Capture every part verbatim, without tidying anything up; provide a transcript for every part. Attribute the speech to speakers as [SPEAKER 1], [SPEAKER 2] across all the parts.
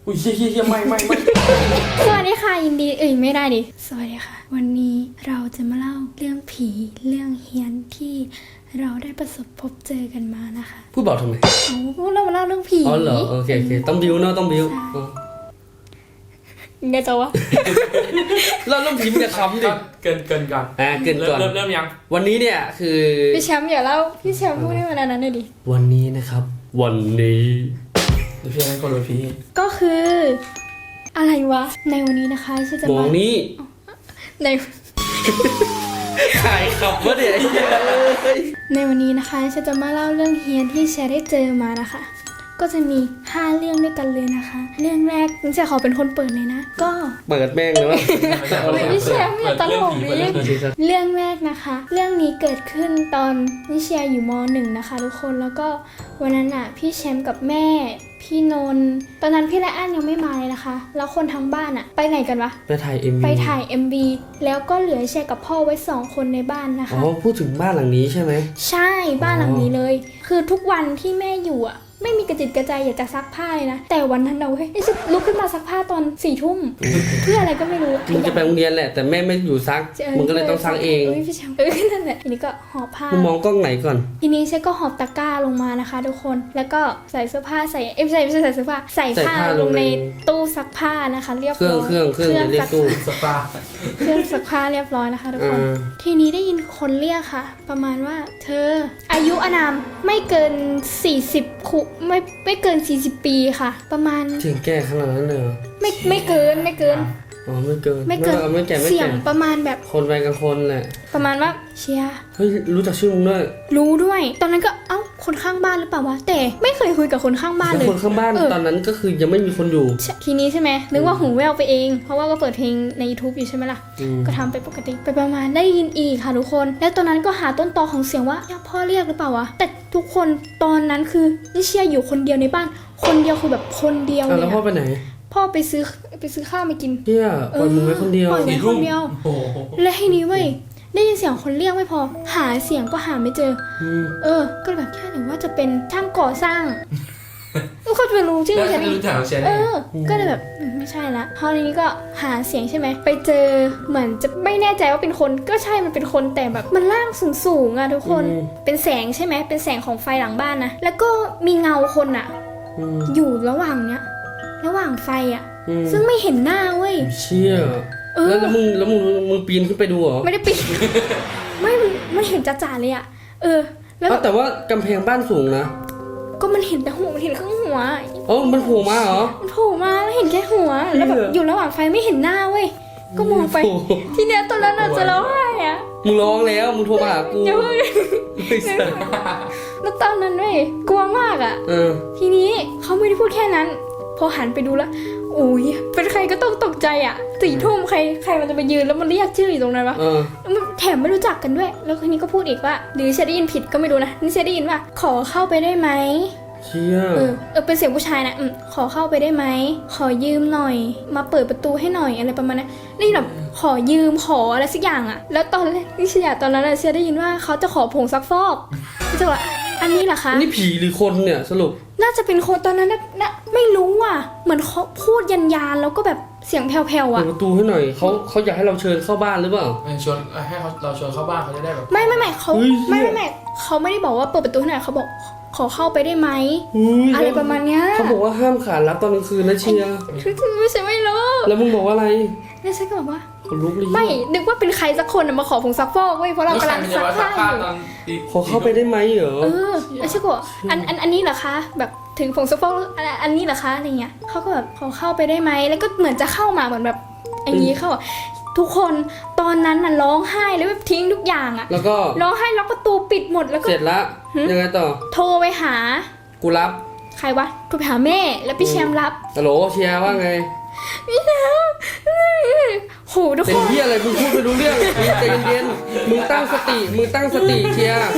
[SPEAKER 1] อุ้ยเฮียเฮียเฮียไม่ไม่ไม่
[SPEAKER 2] สวัสดีค่ะยินดีเอ้ยไม่ได้ดิสวัสดีค่ะวันนี้เราจะมาเล่าเรื่องผีเรื่องเฮี้ยนที่เราได้ประสบพบเจอกันมานะคะ
[SPEAKER 1] พูดบอกทำไม
[SPEAKER 2] เอาพูดเรามาเล่าเรื่องผี
[SPEAKER 1] อ๋อเหรอโอเคโอเคต้องบิวเนาะต้องบิวอ๋อ
[SPEAKER 2] ไงจ๊ะวะ
[SPEAKER 1] เราเรื่องผีมันจะค้ำดิ
[SPEAKER 3] เกินเกินก่อน
[SPEAKER 1] อ่าเกินก่อน
[SPEAKER 3] เริ่มเริ่มยัง
[SPEAKER 1] วันนี้เนี่ยคือ
[SPEAKER 2] พี่แชมป์อย่าเล่าพี่แชมป์พูดให้มันอันนั้นหน่อยดิ
[SPEAKER 1] วันนี้นะครับ วันนี้
[SPEAKER 3] เดี๋ยวพี่ให้คนรู้พี่
[SPEAKER 2] ก็คือ อะไรวะในวันนี้นะคะฉันจะ
[SPEAKER 1] มอ
[SPEAKER 2] มาง
[SPEAKER 1] นี้
[SPEAKER 2] ใน
[SPEAKER 1] ขายขับวะเนี่ยไอ้เหี้ย
[SPEAKER 2] ในวันนี้นะคะฉันจะมาเล่าเรื่องเฮี้ยนที่แชร์ได้เจอมานะคะ ก็จะมีห้าเรื่องด้วยกันเลยนะคะ เรื่องแรกนิชาขอเป็นคนเปิดเลยนะก็
[SPEAKER 1] เปิดแม่งเลยว่า
[SPEAKER 2] ไม่พี่แชมป์อย่าตลกดิ
[SPEAKER 3] เปิดเรื่องผี
[SPEAKER 2] เรื่องแรกนะคะ เรื่องนี้เกิดขึ้นตอนนิเชียอยู่มหนึ่งนะคะทุกคน แล้วก็วันนั้นอ่ะพี่แชมป์กับแม่ พี่นนท์ตอนนั้นพี่และอั้นยังไม่มาเลยนะคะ แล้วคนทั้งบ้านอ่ะ ไปไหนกันวะ
[SPEAKER 1] ไปถ่ายเอ็ม
[SPEAKER 2] ไป
[SPEAKER 1] วี
[SPEAKER 2] ถ่าย เอ็ม วี แล้วก็เหลือแชร์กับพ่อไว้สองคนในบ้านนะ
[SPEAKER 1] อ๋อ
[SPEAKER 2] คะ
[SPEAKER 1] พูดถึงบ้านหลังนี้ใช่ไหม
[SPEAKER 2] ใช่บ้านหลังนี้เลย คือทุกวันที่แม่อยู่อ่ะ ไม่มีกระจิตกระใจอยากจะซักผ้าเลยนะ แต่วันนั้นเราเฮ้ยไอ้ฉันลุกขึ้นมาซักผ้าตอนสี่ทุ่มเพื่ออะไรก็ไม่รู้
[SPEAKER 1] มึงจะไปโรงเรียนแหละแต่แม่ไม่อยู่ซักมึงก็เลยต้องซักเอง
[SPEAKER 2] เอ้ยพี่แชมป์เออนั่นแหละทีนี้ก็หอบผ้า
[SPEAKER 1] มึงมองกล้องไหนก่อน
[SPEAKER 2] ทีนี้เชก็หอบตะกร้าลงมานะคะ ทุกคน แล้วก็ใส่เสื้อผ้าใส่เอ้ยไม่ใช่ไม่ใช่ใส่เสื้อผ้าใส่ผ้าลงในตู้ซักผ้านะคะเรียบ
[SPEAKER 1] เครื่
[SPEAKER 2] ร้
[SPEAKER 1] อง
[SPEAKER 2] อย
[SPEAKER 1] เครื่องเครื่องเรียกตู้
[SPEAKER 3] สปา
[SPEAKER 2] เครื่องซักผ้าเรียบร้อยนะคะทุกคน
[SPEAKER 1] อ่า
[SPEAKER 2] ทีนี้ได้ยินคนเรียกค่ะ ประมาณว่า เธอ อายุอานามไม่เกินสี่สิบคุไม่ไม่เกินสี่สิบปีค่ะ ประมาณ
[SPEAKER 1] เสียงแก่ขนาดนั้นเลยเหรอ
[SPEAKER 2] ไม่ไม่เกินไม่เกิน
[SPEAKER 1] อ๋อไม่เกิน
[SPEAKER 2] ไม่เกิน
[SPEAKER 1] อาไม่แก่ไม่
[SPEAKER 2] เสีย
[SPEAKER 1] แก่
[SPEAKER 2] งประมาณแบบ
[SPEAKER 1] คนวัยกลางคนแหละ
[SPEAKER 2] ประมาณว่าเชียร์
[SPEAKER 1] เฮ้ยรู้จักชื่อมึงด้วย
[SPEAKER 2] รู้ด้วย ตอนนั้นก็เอ้าคนข้างบ้านหรือเปล่าวะแต่ไม่เคยคุยกับคนข้างบ้าน
[SPEAKER 1] แล้ว
[SPEAKER 2] เลย
[SPEAKER 1] คนข้างบ้าน
[SPEAKER 2] เออ
[SPEAKER 1] ตอนนั้นก็คือยังไม่มีคนอยู่
[SPEAKER 2] ใช่ทีนี้ใช่ไหมนึกว่าหูแววไปเอง เพราะว่าก็เปิดเพลงใน YouTube อยู่ใช่ไหมล่ะ
[SPEAKER 1] อืม
[SPEAKER 2] ก็ทำไปปกติไปประมาณได้ยินอีกค่ะทุกคน แล้วตอนนั้นก็หาต้นตอของเสียงว่าพ่อเรียกหรือเปล่าวะแต่ทุกคนตอนนั้นคือนิเชียอยู่คนเดียวในบ้าน คนเดียวคือแบบคนเดียว
[SPEAKER 1] อ่ะ
[SPEAKER 2] เล
[SPEAKER 1] แล้ว
[SPEAKER 2] ย
[SPEAKER 1] พ่อ
[SPEAKER 2] อะ
[SPEAKER 1] ไปไหน
[SPEAKER 2] พ่อไปซื้อไปซื้อข้าวมากิน
[SPEAKER 1] เที่ยปล่อยมึงไว้คนเดียว
[SPEAKER 2] ปล่อยไว้ คนเดียว
[SPEAKER 3] โอ้โห
[SPEAKER 2] และทีนี้เว้ยได้ยินเสียงคนเรียกไม่พอ หาเสียงก็หาไม่เจอ
[SPEAKER 1] อืม
[SPEAKER 2] เออ ก็เลยแบบแค่หรือว่าจะเป็นช่างก่อสร้างเขาจะไปรู้ชื่อ
[SPEAKER 3] แล้ว
[SPEAKER 2] ฉัน
[SPEAKER 3] จะ
[SPEAKER 2] อี
[SPEAKER 3] รู้
[SPEAKER 2] ก
[SPEAKER 3] จักของเชน
[SPEAKER 2] เออ ก็เลยแบบอืมไม่ใช่ละพอทีนี้ก็หาเสียงใช่ไหม ไปเจอเหมือนจะไม่แน่ใจว่าเป็นคน ก็ใช่ มันเป็นคนแต่แบบมันล่างสูงสูงๆอะทุกคน เป็นแสงใช่ไหม เป็นแสงของไฟหลังบ้านนะ แล้วก็มีเงาคนอะ
[SPEAKER 1] อืม
[SPEAKER 2] อยู่ระหว่างเนี้ย ระหว่างไฟอะ
[SPEAKER 1] อืม
[SPEAKER 2] ซึ่งไม่เห็นหน้าเว้ย
[SPEAKER 1] เชี่ย
[SPEAKER 2] เออ
[SPEAKER 1] แล้วแล้วมึงแล้วมึงมึงปีนขึ้นไปดูเหรอ
[SPEAKER 2] ไม่ได้ปิด ไม่มันมันเห็นจ่าๆเลยอะเออ แล้วแบ
[SPEAKER 1] อ้าว
[SPEAKER 2] บ
[SPEAKER 1] แต่ว่ากำแพงบ้านสูงนะ
[SPEAKER 2] ก็มันเห็นแต่หัวมันเห็นครึ่งหัว
[SPEAKER 1] เอ๋อมันโผล่มาเหรอ
[SPEAKER 2] มันโผล่มาแล้วเห็นแค่หัว แล้วแบบ
[SPEAKER 1] เหี้ย
[SPEAKER 2] อยู่ระหว่างไฟไม่เห็นหน้าเว้ย ก็มองไป
[SPEAKER 1] โอ้โห
[SPEAKER 2] ทีเนี้ยตอนนั้นน่ะจะร้องไห้อะ
[SPEAKER 1] มึงร้องแล้วมึงโทรมาหากู
[SPEAKER 2] อย่าเพิ่ง
[SPEAKER 1] ไอ้สัส
[SPEAKER 2] แล้วตอนนั้นเว้ยกลัวมากอะ
[SPEAKER 1] เออ
[SPEAKER 2] ทีนี้เขาไม่ได้พูดแค่นั้น พอหันไปดูแล้วโอ้ยเป็นใครก็ต้องตกใจอะสี่ทุ่มใครใครมันจะไปยืนแล้วมันเรียกชื่ออยู่ตรงนั้นวะ
[SPEAKER 1] เออ
[SPEAKER 2] แล้วมันแถมไม่รู้จักกันด้วย แล้วคนนี้ก็พูดอีกว่า หรือฉันได้ยินผิดก็ไม่รู้นะนี่ฉันได้ยินว่า ขอเข้าไปได้ไหม
[SPEAKER 1] เชี่ย
[SPEAKER 2] เออเออเป็นเสียงผู้ชายนะอืมขอเข้าไปได้ไหมขอยืมหน่อย มาเปิดประตูให้หน่อยอะไรประมาณนั้นนี่แบบขอยืมขออะไรสักอย่างอะแล้วตอนแรกนี่เชียตอนนั้นอะเชียได้ยินว่าเขาจะขอผงซักฟอกพี่จะว่าอันนี้เหรอคะ
[SPEAKER 1] นี่ผีหรือคนเนี่ยสรุป
[SPEAKER 2] น่าจะเป็นคนตอนนั้นนะนะไม่รู้อ่ะเหมือนเขาพูดยันยานๆแล้วก็แบบเสียงแผ่วๆ
[SPEAKER 1] เปิ
[SPEAKER 2] อ่ะ
[SPEAKER 1] ดประตูให้หน่อยเขาเขาอยากให้เราเชิญเข้าบ้านหรือเปล่า
[SPEAKER 3] เออชวนให้เขาเราชวนเข้าบ้านเขาจะได้แบบ
[SPEAKER 2] ไม่ไม่ไม่เขา
[SPEAKER 1] เฮ้ย
[SPEAKER 2] ไม่ไม่ไม่เขาไม่ได้บอกว่าเปิดประตูให้หน่อยเขาบอกขอเข้าไปได้ไหม
[SPEAKER 1] อุ๊ย
[SPEAKER 2] อะไรประมาณเนี้ย
[SPEAKER 1] เขาบอกว่าห้ามขานรับตอนกลางคืนนะเชียร์
[SPEAKER 2] ไม่ใช่ไม่รู้
[SPEAKER 1] แล้วมึงบอกว่าอะไร
[SPEAKER 2] แล้วฉันก็บอกว่า
[SPEAKER 1] คนลุกเลย
[SPEAKER 2] ไม่นึกว่าเป็นใครสักคนน่ะมาขอผงซักฟอกเว้ยเพราะเรา
[SPEAKER 3] แล้วใคร
[SPEAKER 2] กำลัง
[SPEAKER 3] มันจะ
[SPEAKER 2] ซัก
[SPEAKER 3] มาซั
[SPEAKER 2] ผ้าก อ
[SPEAKER 3] ผ้า
[SPEAKER 2] ยู่
[SPEAKER 3] ตอนตี
[SPEAKER 1] ขอเข้าไปได้ไหมเหรอ
[SPEAKER 2] เออแล้วฉันก็บอกอันอันอันนี้เหรอคะ แบบถึงผงซักฟอกอันอันนี้เหรอคะอะไรเงี้ยเขาก็แบบขอเข้าไปได้ไหมแล้วก็เหมือนจะเข้ามาเหมือนแบบอย่างนี้เข้าอะทุกคนตอนนั้นน่ะร้องไห้แล้วแบบทิ้งทุกอย่างอะ
[SPEAKER 1] แล้วก็
[SPEAKER 2] ร้องไห้ล็อกประตูปิดหมดแล้วก็
[SPEAKER 1] เสร็จละยังไงต่อ
[SPEAKER 2] โทรไปหา
[SPEAKER 1] กูรับ
[SPEAKER 2] ใครวะโทรไปหาแม่แล้วพี่แชมป์รับ
[SPEAKER 1] ฮัลโหลเชียร์ว่าไง
[SPEAKER 2] พี่แชมป์โหทุก
[SPEAKER 1] เป็น
[SPEAKER 2] คน
[SPEAKER 1] เหี้ยอะไรมึงพูดไม่รู้เรื่องมึงใจเย็นๆมึงตั้งสติมึงตั้งสติเชียร์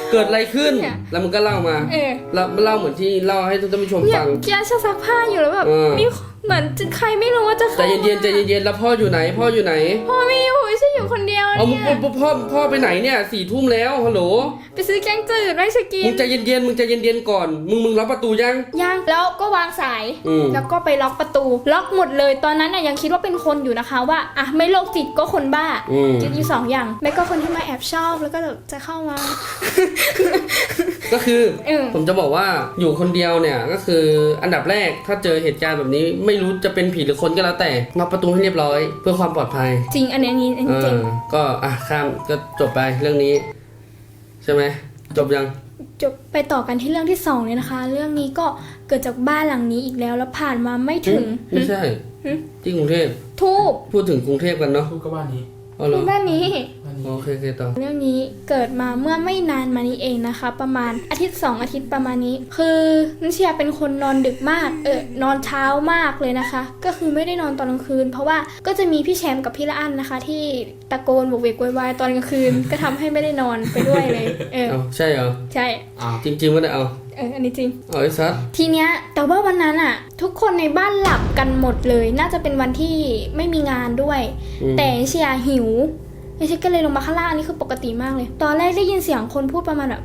[SPEAKER 1] เกิดอะไรขึ้น
[SPEAKER 2] เนี่ย
[SPEAKER 1] แล้วมึงก็เล่ามา
[SPEAKER 2] เออ
[SPEAKER 1] เล่าเล่าเหมือนที่เล่าให้ท่านผู้ชม
[SPEAKER 2] เนี่ย
[SPEAKER 1] ฟัง
[SPEAKER 2] เกียร์จะซักผ้าอยู่แล้วแบบ
[SPEAKER 1] เออ
[SPEAKER 2] มีเหมือนใครไม่รู้ว่าจะ
[SPEAKER 1] ใจ
[SPEAKER 2] เข้า
[SPEAKER 1] เย็นๆใจเย็นๆแล้วพ่ออยู่ไหน พ่ออยู่ไหน
[SPEAKER 2] พ่อไม่อยู่ไม่ใช่อยู่คนเดียว
[SPEAKER 1] เอามึ
[SPEAKER 2] เนี่
[SPEAKER 1] ง
[SPEAKER 2] ย
[SPEAKER 1] พ่อพ่อพ่อไปไหนเนี่ยสี่ทุ่มแล้วฮัลโหล
[SPEAKER 2] ไปซื้อแกงจืดไม่สกิ
[SPEAKER 1] มึ
[SPEAKER 2] น
[SPEAKER 1] งใจเย็นๆมึงใจเย็นๆก่อนมึงมึงล็อกประตูยัง
[SPEAKER 2] ยังแล้วก็วางสาย
[SPEAKER 1] อืม
[SPEAKER 2] แล้วก็ไปล็อกประตู ล็อกหมดเลยตอนนั้นน่ะยังคิดว่าเป็นคนอยู่นะคะว่าอ่ะไม่โรคจิตก็คนบ้า
[SPEAKER 1] อืม
[SPEAKER 2] คิดอยู่สองอย่างไม่ก็คนที่มาแอบชอบแล้วก็แบบจะเข้ามา
[SPEAKER 1] ก็คือ
[SPEAKER 2] เออ
[SPEAKER 1] ผมจะบอกว่าอยู่คนเดียวเนี่ยก็คืออันดับแรกถ้าเจอเหตุการณ์แบบนี้ ไม่รู้จะเป็นผีหรือคนก็แล้วแต่ล็อกประตูให้เรียบร้อย เพื่อความปลอดภัย
[SPEAKER 2] จริงอันนี้อันนี้อัน
[SPEAKER 1] เอ
[SPEAKER 2] นี้จริง
[SPEAKER 1] อก็อ่ะข้ามก็จบไปเรื่องนี้ ใช่ไหมจบยัง
[SPEAKER 2] จบไปต่อกันที่เรื่องที่สองเลยนะคะ เรื่องนี้ก็เกิดจากบ้านหลังนี้อีกแล้วแล้วผ่านมาไม่ถึง
[SPEAKER 1] ไม่ใช่
[SPEAKER 2] หึ
[SPEAKER 1] ที่กรุงเทพ
[SPEAKER 2] ทูบ
[SPEAKER 1] พูดถึงกรุงเทพกันเนาะ
[SPEAKER 3] ทุกก็บ้านนี้
[SPEAKER 1] อ๋อเหรอ
[SPEAKER 2] บ้านนี้
[SPEAKER 3] บ้านนี้
[SPEAKER 1] โอเคโอเคต่อ
[SPEAKER 2] เรื่องนี้เกิดมาเมื่อไม่นานมานี้เองนะคะ ประมาณอาทิตย์สองอาทิตย์ประมาณนี้ คือนันเชียเป็นคนนอนดึกมากเออนอนเช้ามากเลยนะคะ ก็คือไม่ได้นอนตอนกลางคืน เพราะว่าก็จะมีพี่แชมป์กับพี่ละอันนะคะ ที่ตะโกนโวกเวกโวยวายตอนกลางคืน ก็ทำให้ไม่ได้นอนไปด้วยเลยเออ
[SPEAKER 1] เอาใช่เหรอ
[SPEAKER 2] ใช่
[SPEAKER 3] อ้าว
[SPEAKER 1] จริงๆไม่ได้เอา
[SPEAKER 2] เอออันนี้จริง
[SPEAKER 1] เอาไอ้ซัด
[SPEAKER 2] ทีเนี้ยแต่ว่าวันนั้นอะทุกคนในบ้านหลับกันหมดเลย น่าจะเป็นวันที่ไม่มีงานด้วย
[SPEAKER 1] อืม
[SPEAKER 2] แต่เชียร์หิวไอเชียก็เลยลงมาข้างล่างอันนี้คือปกติมากเลย ตอนแรกได้ยินเสียงคนพูดประมาณแบบ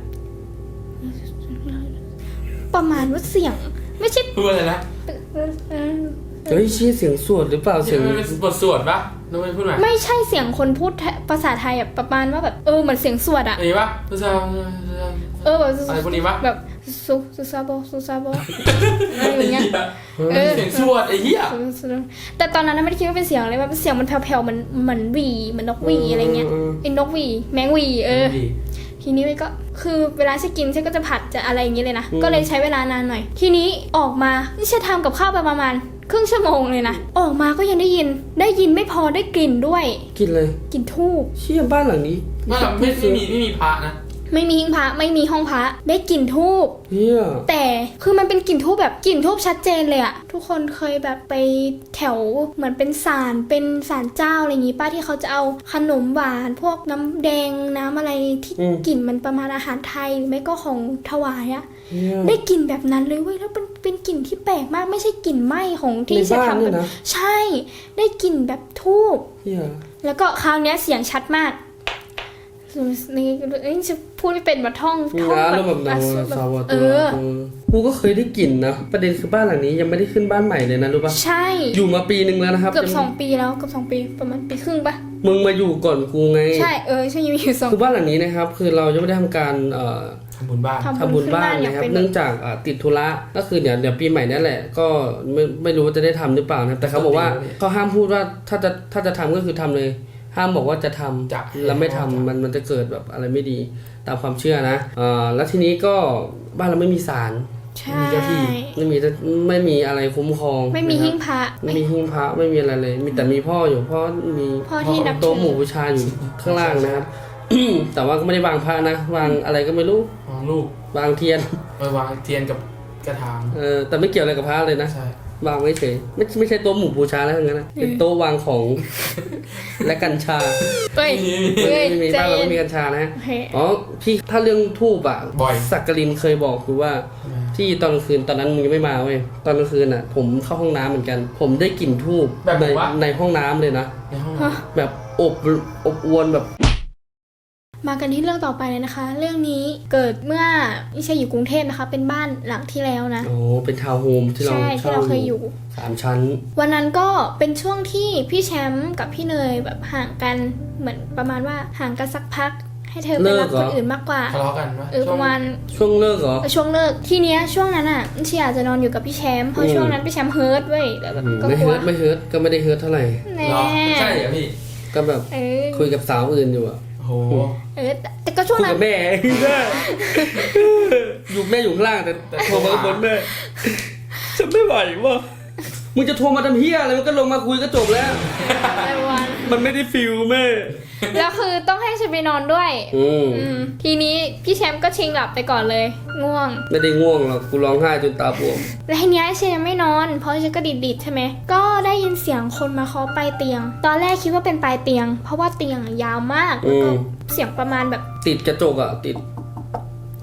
[SPEAKER 2] ประมาณว่าเสียง ไม่ใช่
[SPEAKER 3] พูดอะไรนะ
[SPEAKER 1] เฮ้ยชี้เสียงสวดหรือเปล่าเสียง
[SPEAKER 3] มันเป็นบทสวดปะน้องไม่พูดไหม
[SPEAKER 2] ไม่ใช่เสียงคนพูดภาษาไทยอะประมาณว่าแบบเออเหมือนเสียงสวดอะ
[SPEAKER 3] อันนี้ปะภาษา
[SPEAKER 2] เออแบบ
[SPEAKER 3] อะไรพวกนี้ปะ
[SPEAKER 2] แบบซุซุซาโบซุซาโบอะไรอย่างเงี้ย เออ
[SPEAKER 3] เสียงสวดไอ้เหี้ย
[SPEAKER 2] แต่ตอนนั้นนะไม่ได้คิดว่าเป็นเสียงอะไรแบบเสียงมันแผ่วๆเหมือนเหมือนหวีเหมือนนกหวีอะไรเงี้ยไอ้นกหวีแมงหวีเออ
[SPEAKER 3] ดี
[SPEAKER 2] ทีนี้มันก็คือเวลาฉันกินฉันก็จะผัดจะอะไรอย่างเงี้ยเลยนะ ก็เลยใช้เวลานานหน่อย ทีนี้ออกมานี่ฉันทำกับข้าวไปประมาณครึ่งชั่วโมงเลยนะ ออกมาก็ยังได้ยิน ได้ยินไม่พอได้กลิ่นด้วย
[SPEAKER 1] กินเลย
[SPEAKER 2] กลิ่นทูบ
[SPEAKER 1] เชี่ยบ้านหลังนี้
[SPEAKER 3] ไม่หรอกไม่ไม่มีไม่มีพระนะ
[SPEAKER 2] ไม่มีหิ้งพระไม่มีห้องพระได้กลิ่นทูบ
[SPEAKER 1] เฮีย
[SPEAKER 2] แต่คือมันเป็นกลิ่นทูบแบบกลิ่นทูบชัดเจนเลยอะทุกคนเคยแบบไปแถวเหมือนเป็นศาลเป็นศาลเจ้าอะไรอย่างงี้ป้าที่เขาจะเอาขนมหวานพวกน้ำแดงน้ำอะไรที่กลิ่นมันประมาณอาหารไทยหรือไม่ก็ของถวายอะ
[SPEAKER 1] เฮีย
[SPEAKER 2] ได้กลิ่นแบบนั้นเลยเว้ยแล้วเป็นเป็นกลิ่นที่แปลกมากไม่ใช่กลิ่นไหม้ของที่
[SPEAKER 1] ใน
[SPEAKER 2] จะ
[SPEAKER 1] บ้าน
[SPEAKER 2] ทำ
[SPEAKER 1] เนี่
[SPEAKER 2] กั
[SPEAKER 1] ย
[SPEAKER 2] น
[SPEAKER 1] นะ
[SPEAKER 2] ใช่ ได้กลิ่นแบบทูบ
[SPEAKER 1] เฮีย
[SPEAKER 2] แล้วก็คราวเนี้ยเสียงชัดมากนี่นี่จะพูดไม่เป็นมาท่องท่อง
[SPEAKER 1] นะแล้วแบบนาวสาว
[SPEAKER 2] เอ
[SPEAKER 1] ตัว
[SPEAKER 2] อ
[SPEAKER 1] กูก็เคยได้กลิ่นนะประเด็นคือบ้านหลังนี้ยังไม่ได้ขึ้นบ้านใหม่เลยนะรู้ปะ
[SPEAKER 2] ใช่
[SPEAKER 1] อยู่มาปีหนึ่งแล้วนะครับ
[SPEAKER 2] เกือบสองปีแล้วเกือบสองปีประมาณปีครึ่งปะ
[SPEAKER 1] มึงมาอยู่ก่อนกูไง
[SPEAKER 2] ใช่เออใช่อยู่อยู่สอง
[SPEAKER 1] คือบ้านหลังนี้นะครับ คือเรายังไม่ได้ทำการเอ่อ
[SPEAKER 3] ทำบุญบ้าน
[SPEAKER 2] ทำ
[SPEAKER 1] ทำบุญบ้าน
[SPEAKER 2] ขึ้
[SPEAKER 1] นะครับ
[SPEAKER 2] อย่างเป็น
[SPEAKER 1] เนื่องจากอ่าติดธุระก็คือเดี๋ยวเดี๋ยวปีใหม่นั่นแหละ ก็ไม่ไม่รู้ว่าจะได้ทำหรือเปล่านะครับแต่เขาบอกว่าเขาห้ามพูดว่าถ้าจะถ้าจะทำก็คือทำเลย ห้ามบอกว่าจะทำ
[SPEAKER 3] จะ
[SPEAKER 1] แล้วไม่ทำมันมันจะเกิดแบบอะไรไม่ดีตามความเชื่อนะอ่าแล้วทีนี้ก็บ้านเราไม่มีศาล
[SPEAKER 2] ใช่
[SPEAKER 1] ไม่มีไม่มีอะไรคุ้มครอง
[SPEAKER 2] ไม่มี
[SPEAKER 1] นะครับ
[SPEAKER 2] หิ้งพระ
[SPEAKER 1] ไม่มีหิ้งพระไม่มีอะไรเลย มีแต่มีพ่ออยู่พ่อมี
[SPEAKER 2] พ่อที่นับ
[SPEAKER 1] โต๊ะ
[SPEAKER 2] ถือ
[SPEAKER 1] หมู่บูชาอยู่ข้างล่างนะครับ แต่ว่าก็ไม่ได้วางพระนะวางอะไรก็ไม่รู้
[SPEAKER 3] มองลูก
[SPEAKER 1] วางเทียน
[SPEAKER 3] ไปวางเทียนกับกระถาง
[SPEAKER 1] เออแต่ไม่เกี่ยวอะไรกับพระเลยนะ
[SPEAKER 3] ใช่
[SPEAKER 1] วางไว้เฉยไม่ไม่ใช่โต๊ะหมู่บูชาแล้วทั้งนั้นนะเป็นโต๊ะวางของ และกัญชา
[SPEAKER 2] เฮ้ยเฮ้ย
[SPEAKER 1] ไม่มี
[SPEAKER 2] ใจ
[SPEAKER 1] บ้านเรา
[SPEAKER 2] เย็
[SPEAKER 1] ไม่
[SPEAKER 2] น
[SPEAKER 1] มีกัญชานะ
[SPEAKER 2] โอเค
[SPEAKER 1] อ๋อพี่ถ้าเรื่องทูบอ่ะ
[SPEAKER 3] บ่อย
[SPEAKER 1] สักกลินเคยบอกคือว่า ที่ตอนกลางคืนตอนนั้นมึงยังไม่มาเว้ยตอนกลางคืนอ่ะ ผมเข้าห้องน้ำเหมือนกัน ผมได้กลิ่นทูบ
[SPEAKER 3] แบบ
[SPEAKER 1] ใน
[SPEAKER 3] ว่า
[SPEAKER 1] ในห้องน้ำเลยนะ
[SPEAKER 3] ในห้อง
[SPEAKER 2] ฮะ
[SPEAKER 1] แบบอบอบอวนแบบ
[SPEAKER 2] มากันที่เรื่องต่อไปเลยนะคะ เรื่องนี้เกิดเมื่อไม่ใช่อยู่กรุงเทพนะคะ เป็นบ้านหลังที่แล้วนะ
[SPEAKER 1] โอ้เป็นทาวน์โฮมที่เรา
[SPEAKER 2] ใช่ที่เราเคยอยู่
[SPEAKER 1] สามชั้น
[SPEAKER 2] วันนั้นก็เป็นช่วงที่พี่แชมป์กับพี่เนยแบบห่างกันเหมือนประมาณว่าห่างกันสักพัก ให้เธอไปรักคนอื่นมากกว่า
[SPEAKER 3] ทะเลาะกันปะ
[SPEAKER 2] เออประมาณ
[SPEAKER 1] ช่วงเลิกเหรอ
[SPEAKER 2] ช่วงเลิกทีเนี้ยช่วงนั้นอ่ะเชียร์จะนอนอยู่กับพี่แชมป์เพราะช่วงนั้นพี่แชมป์เฮิร์ตเว้ยแล้วแบบ
[SPEAKER 1] อืม
[SPEAKER 2] ก็
[SPEAKER 1] ไม่
[SPEAKER 2] กลั
[SPEAKER 1] เฮิ
[SPEAKER 2] ว
[SPEAKER 1] ร์ตไม่เฮิร์ตก็ไม่ได้เฮิร์ตเท่าไหร่
[SPEAKER 2] แน่
[SPEAKER 3] เหรอใช่เหรอพี่
[SPEAKER 1] ก็แบบ
[SPEAKER 2] เออ
[SPEAKER 1] คุยกับสาวอื่นอยู่อะ
[SPEAKER 3] โอ้โห
[SPEAKER 2] เออแต่แต่ก็ช่วง
[SPEAKER 1] คุย
[SPEAKER 2] นั้
[SPEAKER 1] กัน บแม่ อยู่แม่อยู่ข้างล่างแต่แต่โทรมาบนแม่ฉันไม่ไหววะมึงจะโทรมาทำเฮียอะไรมันก็ลงมาคุยก็จบแล้ว
[SPEAKER 2] ในวัน
[SPEAKER 1] มันไม่ได้ฟิลแม่
[SPEAKER 2] แล้วคือต้องให้ฉันไปนอนด้วย
[SPEAKER 1] อืม
[SPEAKER 2] อืมทีนี้พี่แชมป์ก็ชิงหลับไปก่อนเลย ง่วง
[SPEAKER 1] ไม่ได้ง่วงหรอกกูร้องไห้จนตาบวม
[SPEAKER 2] แล้วทีเนี้ยฉันยังไม่นอน เพราะฉันก็ดิดๆใช่ไหมก็ได้ยินเสียงคนมาเคาะปลายเตียง ตอนแรกคิดว่าเป็นปลายเตียง เพราะว่าเตียงยาวมากแล้วก็เสียงประมาณแบบ
[SPEAKER 1] ติดกระจกอะติด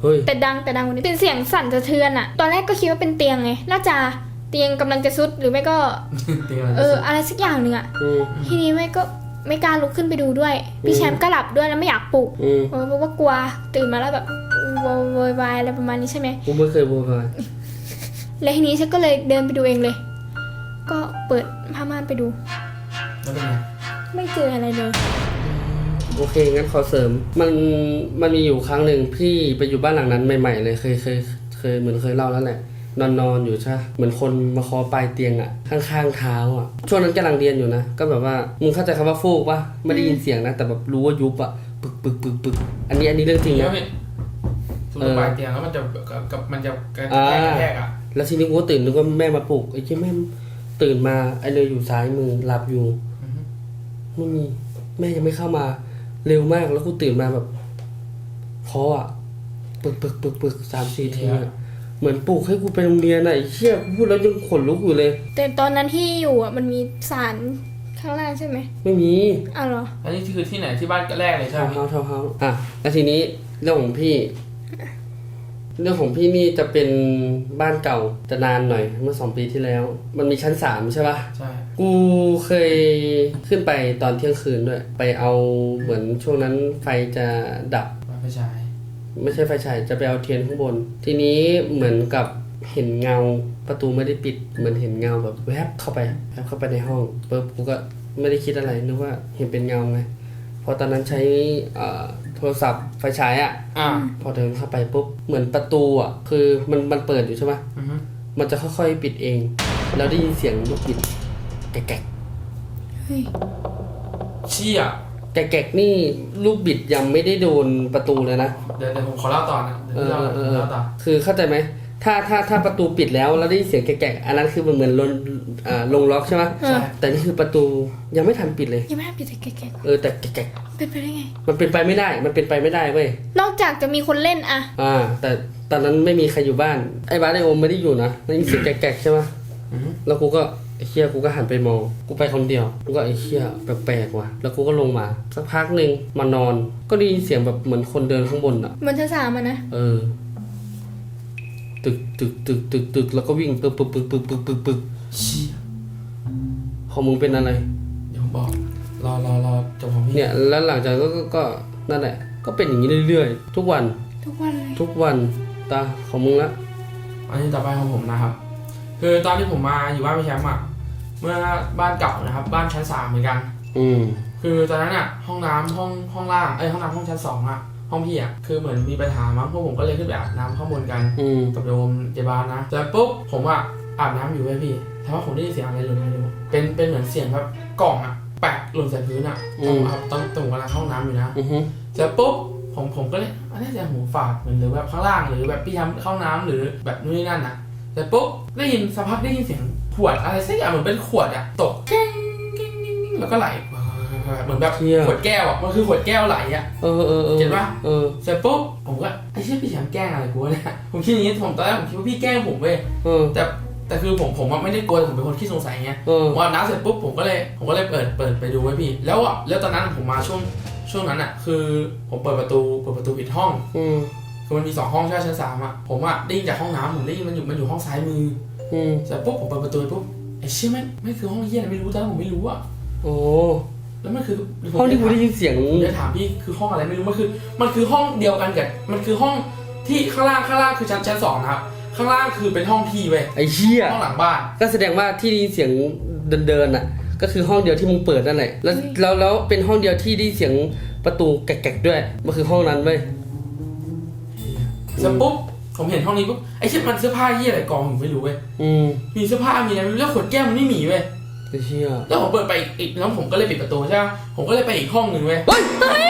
[SPEAKER 1] เฮ้ย
[SPEAKER 2] แต่ดังแต่ดังกว่านี้เป็นเสียงสั่นสะเทือนอะตอนแรกก็คิดว่าเป็นเตียงไงน่าจะเตียงกำลังจะซุดหรือไม่ก็
[SPEAKER 3] เตียงอะไร
[SPEAKER 2] เอออะไรสักอย่างหนึ่งอะ
[SPEAKER 1] อืม
[SPEAKER 2] ทีนี้ไม่ก็ไม่กล้าลุกขึ้นไปดูด้วยพี่แชมป์ก็หลับด้วยแล้วไม่อยากปลุก
[SPEAKER 1] อืม
[SPEAKER 2] เพราะว่ากลัวตื่นมาแล้วแบบโวโวยวายอะไรประมาณนี้ใช่ไหม
[SPEAKER 1] กูไม่เคยบูพาย
[SPEAKER 2] แล้วทีนี้ฉันก็เลยเดินไปดูเองเลย ก็เปิดผ้าม่านไปดู
[SPEAKER 3] แล้วเป็นไง
[SPEAKER 2] ไม่เจออะไรเลย
[SPEAKER 1] โอเคงั้นขอเสริม มันมันมีอยู่ครั้งหนึ่งพี่ไปอยู่บ้านหลังนั้นใหม่ๆเลยเคยเคยเคยเหมือนเคยเล่าแล้วแหละนอนนอนอยู่ใช่เหมือนคนมาเคอปลายเตียงอ่ะข้างๆเท้าอ่ะช่วงนั้นกำลังเรียนอยู่นะก็แบบว่ามึงเข้าใจคำว่าฟูกปะไม่ได้ยินเสียงนะแต่แบบรู้ว่ายุบอ่ะปึกปึกปึกปึกอันนี้อันนี้เรื่องจริง
[SPEAKER 3] แล้
[SPEAKER 1] นะ
[SPEAKER 3] วพี่สมมติปลายเตียงแล้วมันจะกับกับมันจะกระแทกกระแทกอ่ะ
[SPEAKER 1] แล้วทีนี้กูก็ตื่นนึกว่าแม่มาปลุกไอ้ที่แม่ตื่นมาไอ้เลยอยู่ซ้ายมือหลับอยู่
[SPEAKER 3] อือฮึ
[SPEAKER 1] ไม่มีแม่ยังไม่เข้ามาเร็วมากแล้วกูตื่นมาแบบคออ่ะปึกปึกปึกปึกสามสี่ทีอ่ะเหมือนปลุกให้กูไปโรงเรียนอ่ะไอ้เชี่ยพูดแล้วยังขนลุกอยู่เลย
[SPEAKER 2] แต่ตอนนั้นที่อยู่อ่ะมันมีสารข้างล่างใช่ไหม
[SPEAKER 1] ไม่มี
[SPEAKER 2] อ้าวเหรอ
[SPEAKER 3] อันนี้คือที่ไหนที่บ้านแรกเลยใช่
[SPEAKER 1] ทา
[SPEAKER 3] ไห
[SPEAKER 1] ว
[SPEAKER 3] ม
[SPEAKER 1] น์เฮาส์ทาวน์เฮาส์อ่ะแล้วทีนี้เรื่องของพี่ เรื่องของพี่นี่จะเป็นบ้านเก่าจะนานหน่อยเมื่อสองปีที่แล้ว มันมีชั้นสามใช่ปะ
[SPEAKER 3] ใช่
[SPEAKER 1] กูเคยขึ้นไปตอนเที่ยงคืนด้วย ไปเอาเหมือนช่วงนั้นไฟจะดับ
[SPEAKER 3] บ้านไฟฉาย
[SPEAKER 1] ไม่ใช่ไฟฉายจะไปเอาเทียนข้างบน ทีนี้เหมือนกับเห็นเงาประตูไม่ได้ปิด เหมือนเห็นเงาแบบแวบเข้าไปแวบเข้าไปในห้องปุ๊บกูก็ไม่ได้คิดอะไรนึกว่าเห็นเป็นเงาไงเพราะตอนนั้นใช้เอ่อโทรศัพท์ไฟฉายอะ
[SPEAKER 3] อ่า
[SPEAKER 1] พอเดินเข้าไปปุ๊บเหมือนประตูอ่ะคือมันมันเปิดอยู่ใช่ไหม
[SPEAKER 3] อือฮึ
[SPEAKER 1] มันจะค่อยๆปิดเอง แล้วได้ยินเสียงลูกบิดแกะ
[SPEAKER 2] เฮ้ย
[SPEAKER 3] เชี่ย
[SPEAKER 1] แกะแกะนี่ลูกบิดยังไม่ได้โดนประตูเลยนะ
[SPEAKER 3] เดี๋ยวเดี๋ยวผมขอเล่าต่อนะเดี๋ยว
[SPEAKER 1] เอ
[SPEAKER 3] พี่
[SPEAKER 1] อ
[SPEAKER 3] เล่า
[SPEAKER 1] เอ
[SPEAKER 3] ผม
[SPEAKER 1] อ
[SPEAKER 3] เล่าต่อ
[SPEAKER 1] คือเข้าใจไหมถ้าถ้าถ้าประตูปิดแล้วแล้วได้ยินเสียงแกะแกะอันนั้นคือมันเหมือนลงอ่าลงล็อกใช่ไหม
[SPEAKER 2] เออ
[SPEAKER 1] แต่นี่คือประตูยังไม่ทันปิดเลย
[SPEAKER 2] ยังไม่ได้ปิดแต่แกะ
[SPEAKER 1] เออแต่แกะแกะ
[SPEAKER 2] ๆเป็นไปได้ไง
[SPEAKER 1] มันเป็นไปไม่ได้มันเป็นไปไม่ได้เว้ย
[SPEAKER 2] นอกจากจะมีคนเล่นอะ
[SPEAKER 1] อ่า แต่ตอนนั้นไม่มีใครอยู่บ้านไอ้บ้านไอโอมไม่ได้อยู่นะได้ยินเสียงแกะแกะใช่ไหม
[SPEAKER 3] อือฮึ
[SPEAKER 1] แล้วกูก็ไอ้เชี่ยกูก็หันไปมองกูไปคนเดียวกูก็ไอ้เชี่ยแปลกๆว่ะแล้วกูก็ลงมาสักพักหนึ่งมานอน ก็ได้ยินเสียงแบบเหมือนคนเดินข้างบนอ่ะ
[SPEAKER 2] บนชั้นสามอะนะ
[SPEAKER 1] เออ ตึกตึกตึกตึกตึกแล้วก็วิ่งปึ๊บปึ๊บปึ๊บปึ๊บปึ๊บปึ๊บปึ๊บ
[SPEAKER 3] เชี่ย
[SPEAKER 1] ของมึงเป็นอะไร
[SPEAKER 3] เดี๋ยวผมบอกรอรอรอจบของพี่
[SPEAKER 1] เนี่ยแล้วหลังจากนั้นก็ก็ก็นั่นแหละ ก็เป็นอย่างนี้เรื่อยๆทุกวัน
[SPEAKER 2] ทุกวันเลย
[SPEAKER 1] ทุกวันตาของมึงละ
[SPEAKER 3] อันนี้ต่อไปของผมนะครับ คือตอนที่ผมมาอยู่บ้านพี่แชมป์อ่ะเมื่อบ้านเก่านะครับ บ้านชั้นสามเหมือนกัน
[SPEAKER 1] อืม
[SPEAKER 3] คือตอนนั้นอ่ะห้องน้ำห้องห้องล่างเอ้ยห้องน้ำห้องชั้นสองอ่ะห้องพี่อ่ะคือเหมือนมีปัญหามั้งพวกผมก็เลยขึ้นไปอาบน้ำข้างบนกัน
[SPEAKER 1] อืม
[SPEAKER 3] กับโยมเจบานนะแต่ปุ๊บผมอ่ะอาบน้ำอยู่เว้ยพี่แต่ว่าผมได้ยินเสียงอะไรหล่นไม่รู้เป็นเป็นเหมือนเสียงแบบกล่องอ่ะแปะหล่นใส่พื้นอ่ะตรงครับตรงตรงกำลังเข้าห้องน้ำอยู่นะ
[SPEAKER 1] อือฮึ
[SPEAKER 3] แต่ปุ๊บผมผมก็เลยอันนี้จะหูฝาดเหมือนหรือแบบข้างล่างหรือแบบพี่ทำเข้าน้ำหรือแบบนู่นนี่นั่นนะแต่ปุ๊บได้ยินสักพักได้ยินเสียงขวดอะไรสักอย่างเหมือนเป็นขวดอะตกแก้งกิ้งกิ้งกิ้งแล้วก็ไหลเหมือนแบบขวดแก้วอะมันคือขวดแก้วไหลอะ
[SPEAKER 1] เออเออเออ
[SPEAKER 3] เห็นปะ
[SPEAKER 1] เออ
[SPEAKER 3] เสร็จปุ๊บผมก็ไอ้เชี่ยพี่แชมป์แกล้งอะไรกูวะเนี่ยผมคิดอย่างนี้ผมตอนแรกผมคิดว่าพี่แกล้งผมเว้ย
[SPEAKER 1] เออ
[SPEAKER 3] แต่แต่คือผมผมอะไม่ได้กลัวผมเป็นคนขี้สงสัยไง
[SPEAKER 1] เออ
[SPEAKER 3] พออาบน้ำเสร็จปุ๊บผมก็เลยผมก็เลยเปิดเปิดไปดูไว้พี่แล้วอ่ะแล้วตอนนั้นผมมาช่วงช่วงนั้นอ่ะคือผมเปิดประตูเปิดประตูปิดห้อง
[SPEAKER 1] อืม
[SPEAKER 3] คือมันมีสองห้องใช่ไหมชั้นสามอ่ะผมอ่ะได้ยินจากห้องน้ำผมได้ยินมันอยู่มันอยู่ห้องซ้ายมือ
[SPEAKER 1] อืม
[SPEAKER 3] เสร็จปุ๊บผมเปิดประตูปุ๊บไอ้เชี่ยไม่ไม่คือห้องเหี้ยอะไรไม่รู้ตอนนั้นผมไม่รู้อ่ะ
[SPEAKER 1] โอ้
[SPEAKER 3] แล้วมันคือ
[SPEAKER 1] ห้องที่กูได้ยินเสียง
[SPEAKER 3] ผมจะถามพี่คือห้องอะไรไม่รู้มันคือมันคือห้องเดียวกันกับมันคือห้องที่ข้างล่างข้างล่างคือชั้นชั้นสองนะครับข้างล่างคือเป็นห้องพี่เว้ย
[SPEAKER 1] ไอ้เชี่ย
[SPEAKER 3] ห้องหลังบ้าน
[SPEAKER 1] ก็แสดงว่าที่ได้ยินเสียงเดินๆน่ะ ก็คือห้องเดียวที่มึงเปิดนั่นแหละแล้วแล้วแล้วเป็นห้องเดียวที่ได้ยินเสียงประตูแกะๆด้วยมันคือห้องนั้นเว้ย
[SPEAKER 3] เสร็จปุ๊บผมเห็นห้องนี้ปุ๊บไอ้เชี่ยมันเสื้อผ้าเหี้ยอะไรกองอยู่ไม่รู้เว้ย
[SPEAKER 1] อืม
[SPEAKER 3] มีเสื้อผ้ามีอะไรไม่รู้แล้วขวดแก้วมันไม่มีเว้ย
[SPEAKER 1] ไอ้เชี่ย
[SPEAKER 3] แล้วผมเปิดไปอีกอีกแล้วผมก็เลยปิดประตูใช่ไหมผมก็เลยไปอีกห้องหนึ่งเว้ย
[SPEAKER 1] เฮ้ย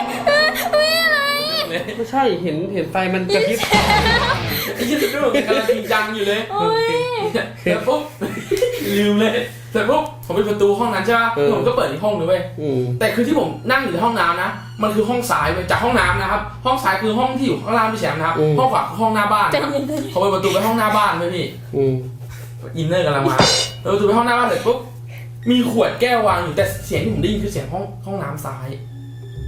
[SPEAKER 1] ไม่ใช่เห็นเห็นไฟมันกระพริบ
[SPEAKER 3] ไอ้เชี่ยสุดยอดกำลังจริงจังอยู่เลย
[SPEAKER 2] โอ้ย
[SPEAKER 3] เสร็จปุ๊บ ลืมเลยเสร็จปุ๊บผมปิดประตูห้องนั้นใช่ไหมผมก็เปิดอีกห้องหนึงเว้ย
[SPEAKER 1] อืม
[SPEAKER 3] แต่คือที่ผมนั่งอยู่ในห้องน้ำนะมันคือห้องซ้ายเว้ยจากห้องน้ำนะครับห้องซ้ายคือห้องที่อยู่ข้างล่างพี่แชมป์นะครับห้องขวาคือห้องหน้าบ้าน
[SPEAKER 2] ใจ
[SPEAKER 3] นะครับ
[SPEAKER 2] เย็นเลย
[SPEAKER 3] เขาเปิดประตูไปห้องหน้าบ้านเว้ยพี่
[SPEAKER 1] อืม
[SPEAKER 3] อินเนอร์กำลังมาเปิดประตูไปห้องหน้าบ้านเสร็จปุ๊บมีขวดแก้ววางอยู่แต่เสียงที่ผมได้ยินคือเสียงห้องห้องน้ำซ้าย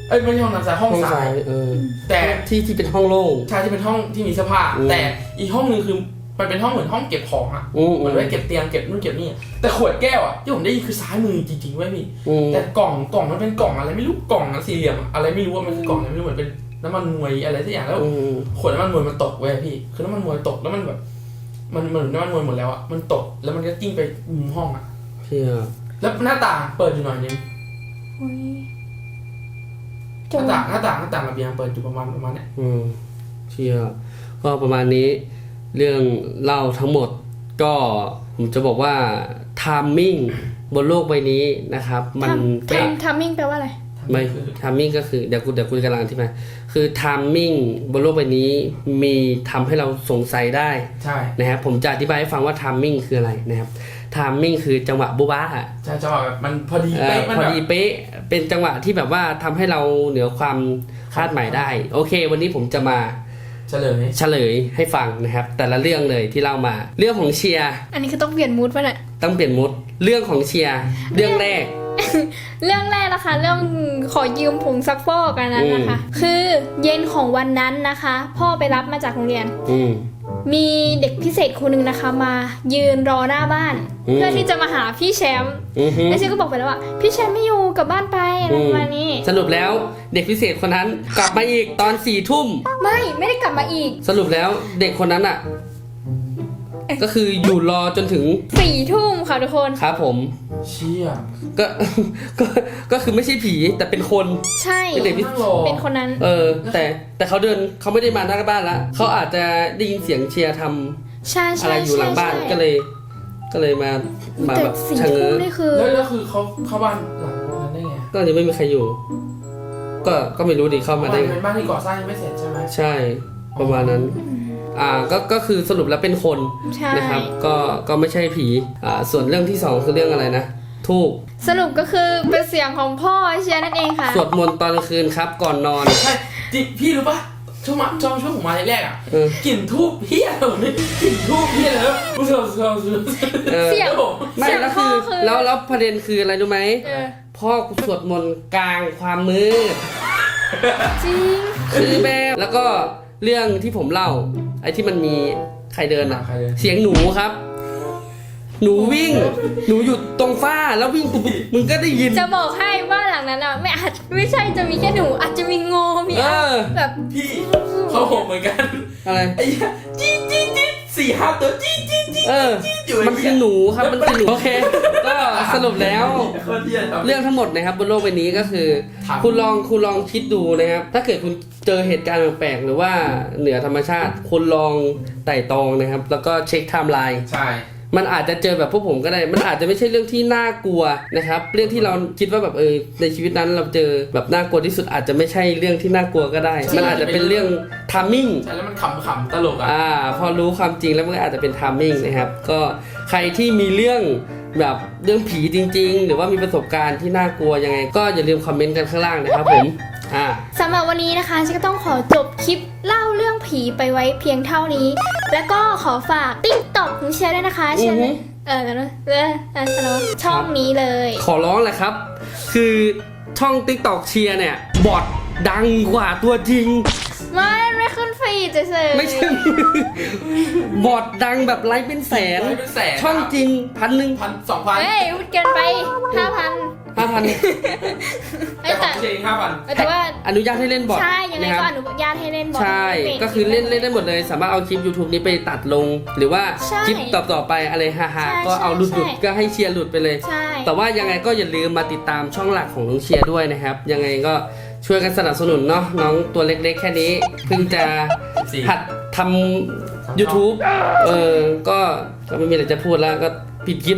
[SPEAKER 3] เอ้ยไม่ใช่ห้องน้ำซ้ายห้อง
[SPEAKER 1] ห้อง
[SPEAKER 3] ซ้า
[SPEAKER 1] ซ้าย ยเออ
[SPEAKER 3] แต่
[SPEAKER 1] ที่ที่เป็นห้องโล่ง
[SPEAKER 3] ใช่ที่เป็นห้องที่มีเสื้อผ้า
[SPEAKER 1] อืม
[SPEAKER 3] แต่อีกห้องนึงคือมันเป็นห้องเหมือนห้องเก็บของอ่ะ
[SPEAKER 1] อืม
[SPEAKER 3] เหมือนไว้เก็บเตียงเก็บนู่นเก็บนี่แต่ขวดแก้วอ่ะที่ผมได้ยินคือซ้ายมือจริงๆเว้ยพี่
[SPEAKER 1] อืม
[SPEAKER 3] แต่กล่องกล่องมันเป็นกล่องอะไรไม่รู้กล่องสี่เหลี่ยมอะอะไรไม่รู้ว่ามันคือกล่องอะไรไม่รู้เหมือนเป็นน้ำมันมวยอะไรสักอย่างแล้ว
[SPEAKER 1] อืม
[SPEAKER 3] ขวดน้ำมันมวยมันตกเว้ยพี่คือน้ำมันมวยตกแล้วมันแบบ มันเหมือนน้ำมันมวยหมดแล้วอ่ะมันตกแล้วมันก็กิ้งไปมุมห้องอ่ะ
[SPEAKER 1] เชี่ย
[SPEAKER 3] แล้วหน้าต่างเปิดอยู่หน่อยนึง
[SPEAKER 2] โอ้ย
[SPEAKER 3] ห
[SPEAKER 2] จ
[SPEAKER 3] น้าง ต่างหน้าต่างหน้าต่างระเบียงเปิดอยู่ประมาณประมาณเนี้ย
[SPEAKER 1] อืมเชี่ยก็ประมาณนี้ เรื่องเล่าทั้งหมดก็ผมจะบอกว่าทามมิ่งบนโลกใบนี้นะครับ มัน
[SPEAKER 2] ทำ
[SPEAKER 1] เป๊ะ
[SPEAKER 2] ทำทำมิ่งแปลว่าอะไร
[SPEAKER 1] ไม่ทามมิ่งก็คือเดี๋ยวกูเดี๋ยวกูกำลังอธิบายคือทามมิ่งบนโลกใบนี้มีทำให้เราสงสัยได้
[SPEAKER 3] ใช่
[SPEAKER 1] นะครับผมจะอธิบายให้ฟังว่าทามมิ่งคืออะไรนะครับทามมิ่งคือจังหวะบุบ้าอะ
[SPEAKER 3] ใช่จังหวะแบบมันพอดี
[SPEAKER 1] เอ่
[SPEAKER 3] เป๊ะ
[SPEAKER 1] อ
[SPEAKER 3] มัน
[SPEAKER 1] พอ
[SPEAKER 3] แบบ
[SPEAKER 1] ดีเป๊ะเป็นจังหวะที่แบบว่าทำให้เราเหนือความคาดหมายได้ โอเค วันนี้ผมจะมา
[SPEAKER 3] เฉลย
[SPEAKER 1] เฉลยให้ฟังนะครับ แต่ละเรื่องเลยที่เล่ามาเรื่องของเชียร์
[SPEAKER 2] อันนี้คือต้องเปลี่ยนมูดป่ะเนี่ย
[SPEAKER 1] ต้องเปลี่ยนมุดเรื่องของเชียร์เรื่องแรก
[SPEAKER 2] เรื่องแรกนะคะ เรื่องขอยืมผงซักฟอกกันนั้นนะคะ คือเย็นของวันนั้นนะคะ พ่อไปรับมาจากโรงเรียน
[SPEAKER 1] อืม
[SPEAKER 2] มีเด็กพิเศษคนหนึ่งนะคะ มายืนรอหน้าบ้าน
[SPEAKER 1] อืม
[SPEAKER 2] เพื่อที่จะมาหาพี่แชมป์
[SPEAKER 1] อือฮึ
[SPEAKER 2] แล้วฉันก็บอกไปแล้วว่าพี่แชมป์ไม่อยู่กลับบ้านไปอะไรประมาณนี้
[SPEAKER 1] สรุปแล้วเด็กพิเศษคนนั้นกลับมาอีกตอนสี่ทุ่ม
[SPEAKER 2] ไม่ไม่ได้กลับมาอีก
[SPEAKER 1] สรุปแล้วเด็กคนนั้นอ่ะ ก็คืออยู่รอจนถึง
[SPEAKER 2] สี่ทุ่มค่ะทุกคน
[SPEAKER 1] ครับผม
[SPEAKER 3] เชี่ย
[SPEAKER 1] ก็ ก็ก็คือไม่ใช่ผีแต่เป็นคน
[SPEAKER 2] ใช่
[SPEAKER 1] เป็นเด็กพิ
[SPEAKER 3] นั่งรอ
[SPEAKER 2] เป็นคนนั้น
[SPEAKER 1] เออ แต่แต่เขาเดินเขาไม่ได้มาหน้าบ้านละเขาอาจจะได้ยินเสียงเชียร์ทำ
[SPEAKER 2] ใช่
[SPEAKER 1] อะ
[SPEAKER 2] ใช่
[SPEAKER 1] ไรอยู่หลั
[SPEAKER 2] ใช่
[SPEAKER 1] งบ้าน
[SPEAKER 2] ใช่
[SPEAKER 1] ก็เลย ก็เลยมามา
[SPEAKER 2] แต่
[SPEAKER 1] แบบ
[SPEAKER 2] สี่
[SPEAKER 1] ชะ
[SPEAKER 2] ทุ่
[SPEAKER 1] เง้
[SPEAKER 2] ม
[SPEAKER 1] อ
[SPEAKER 2] นี่คือ
[SPEAKER 3] แล้วแล้วคือเขาเข้าบ้านหลังนั้นได้ไง
[SPEAKER 1] ก็ยังไม่มีใครอยู่ ก็ก็ไม่รู้ดิเข้ามาได้
[SPEAKER 3] บ้าน
[SPEAKER 1] ไง
[SPEAKER 3] เป็นบ้านที่ก่อสร้างยังไม่เสร็จใช่ไหม
[SPEAKER 1] ใช่ประมาณนั้น อ่าก็ก็คือสรุปแล้วเป็นคน
[SPEAKER 2] ใช่
[SPEAKER 1] นะครับ ก็ก็ไม่ใช่ผีอ่าส่วนเรื่องที่สองคือเรื่องอะไรนะทูบ
[SPEAKER 2] สรุปก็คือเป็นเสียงของพ่อเชียร์นั่นเองค่ะ
[SPEAKER 1] สวดมนต์ตอนกลางคืนครับ ก่อนนอน
[SPEAKER 3] ใช่จิพี่รู้ปะช่วงมาช่วงช่วงผมมาแรกๆอ่ะ
[SPEAKER 1] เออก
[SPEAKER 3] ลิ่นทูบเฮียอะไรวะเนี่ยกลิ่นทูบเฮียอะไรวะรู้สึกรู้สึกรู้สึก
[SPEAKER 1] เออ
[SPEAKER 2] เสียง
[SPEAKER 3] ครับผม
[SPEAKER 1] ไม่
[SPEAKER 2] เสียง
[SPEAKER 1] แล้ว
[SPEAKER 2] พ่
[SPEAKER 1] คือ อ
[SPEAKER 2] คือ
[SPEAKER 1] แล้วแล้วประเด็นคืออะไรรู้ไหม
[SPEAKER 2] เออ
[SPEAKER 1] พ่อกูสวดมนต์กลางความมืด
[SPEAKER 2] จริง
[SPEAKER 1] คือแบบแล้วก็เรื่องที่ผมเล่า ไอ้ที่มันมีใครเดินอ่ะ
[SPEAKER 3] ใครเลย
[SPEAKER 1] เสียงหนูครับ หนูวิ่ง หนูอยู่ตรงฝ้าแล้ววิ่งปุ๊บปุ๊บมึงก็ได้ยิน
[SPEAKER 2] จะบอกให้ว่าหลังนั้นอ่ะไม่อาจไม่ใช่จะมีแค่หนูอาจจะมีงูมี
[SPEAKER 1] เออ
[SPEAKER 2] แบบ
[SPEAKER 3] พี่เขาผมเหมือนกัน
[SPEAKER 1] อะไร
[SPEAKER 3] ไอ้เหี้ยจี๊ดจี๊ดจี๊ดสี่ห้าตัวจี๊ดจี๊ดจี๊ด
[SPEAKER 1] เออ
[SPEAKER 3] อยู่
[SPEAKER 1] มันคือหนูครับมันคือหนูโอเค ก็สรุปแล้ว
[SPEAKER 3] โคตรเหี้ยครับ
[SPEAKER 1] เรื่องทั้งหมดนะครับบนโลกใบนี้ก็คือ
[SPEAKER 3] ครับ
[SPEAKER 1] คุณลองคุณลองคิดดูนะครับ ถ้าเกิดคุณเจอเหตุการณ์แปลกๆหรือว่าเหนือธรรมชาติ คุณลองไต่ตรองนะครับ แล้วก็เช็คไทม์ไลน์
[SPEAKER 3] ใช่
[SPEAKER 1] มันอาจจะเจอแบบพวกผมก็ได้ มันอาจจะไม่ใช่เรื่องที่น่ากลัวนะครับ เรื่องที่เราคิดว่าแบบเออในชีวิตนั้นเราเจอแบบน่ากลัวที่สุดอาจจะไม่ใช่เรื่องที่น่ากลัวก็ได้ มันอาจจะเป็นเรื่องทามมิ่ง
[SPEAKER 3] ใช่แล้วมันขำขำๆตลกอ่ะ
[SPEAKER 1] อ่าพอรู้ความจริงแล้วมันก็อาจจะเป็นทามมิ่งนะครับ ก็ใครที่มีเรื่องแบบเรื่องผีจริง ๆ หรือว่ามีประสบการณ์ที่น่ากลัวยังไง ก็อย่าลืมคอมเมนต์กันข้างล่างนะครับผมอ่า
[SPEAKER 2] สำหรับวันนี้นะคะฉันก็ต้องขอจบคลิปเล่าเรื่องผีไปไว้เพียงเท่านี้ แล้วก็ขอฝากติ๊กต็อกของเชียร์ด้วยนะคะเชียร์
[SPEAKER 1] อือฮึ
[SPEAKER 2] เออแล้วนะเออเออแล้วช่องนี้เลย
[SPEAKER 1] ขอร้องแหละครับ คือช่อง TikTok เชียร์เนี่ยบอทดังกว่าตัวจริง
[SPEAKER 2] ไม่ไม่ขึ้นฟีดเฉยๆ
[SPEAKER 1] ไม่ใช่ บอทดังแบบไลค์เป็นแสน
[SPEAKER 3] ไลค์เป็นแสน
[SPEAKER 1] ช่องจริงพันหนึ่ง
[SPEAKER 3] พันสองพัน
[SPEAKER 2] เฮ้ยพูดเกินไปห้าพัน
[SPEAKER 1] ห้าพัน
[SPEAKER 3] แต่ของเชงห้าพัน
[SPEAKER 2] แต่ว่า
[SPEAKER 1] อนุญาตให้เล่นบอท
[SPEAKER 2] ใช่ยังไง
[SPEAKER 1] นะค
[SPEAKER 2] ก็
[SPEAKER 1] รับ
[SPEAKER 2] อนุญาตให้เล่นบอล
[SPEAKER 1] ใช่
[SPEAKER 2] ป็น
[SPEAKER 1] ก็คือเล่นเล่นได้หมดเลย สามารถเอาคลิป YouTube นี้ไปตัดลง หรือว่า
[SPEAKER 2] ใช่
[SPEAKER 1] คลิปต่อๆไปอะไรฮา
[SPEAKER 2] ใช่
[SPEAKER 1] ๆก็เอาหลุด
[SPEAKER 2] ใช่
[SPEAKER 1] หลุดก็ให้เชียร์หลุดไปเลย
[SPEAKER 2] ใช่
[SPEAKER 1] แต่ว่ายังไงก็อย่าลืมมาติดตามช่องหลักของน้องเชียร์ด้วยนะครับ ยังไงก็ช่วยกันสนับสนุนเนาะน้องตัวเล็กๆ แค่นี้ เพิ่งจะ
[SPEAKER 3] สี่
[SPEAKER 1] หัดทำ YouTube เออก็ก็ไม่มีอะไรจะพูดแล้วก็ปิดคลิป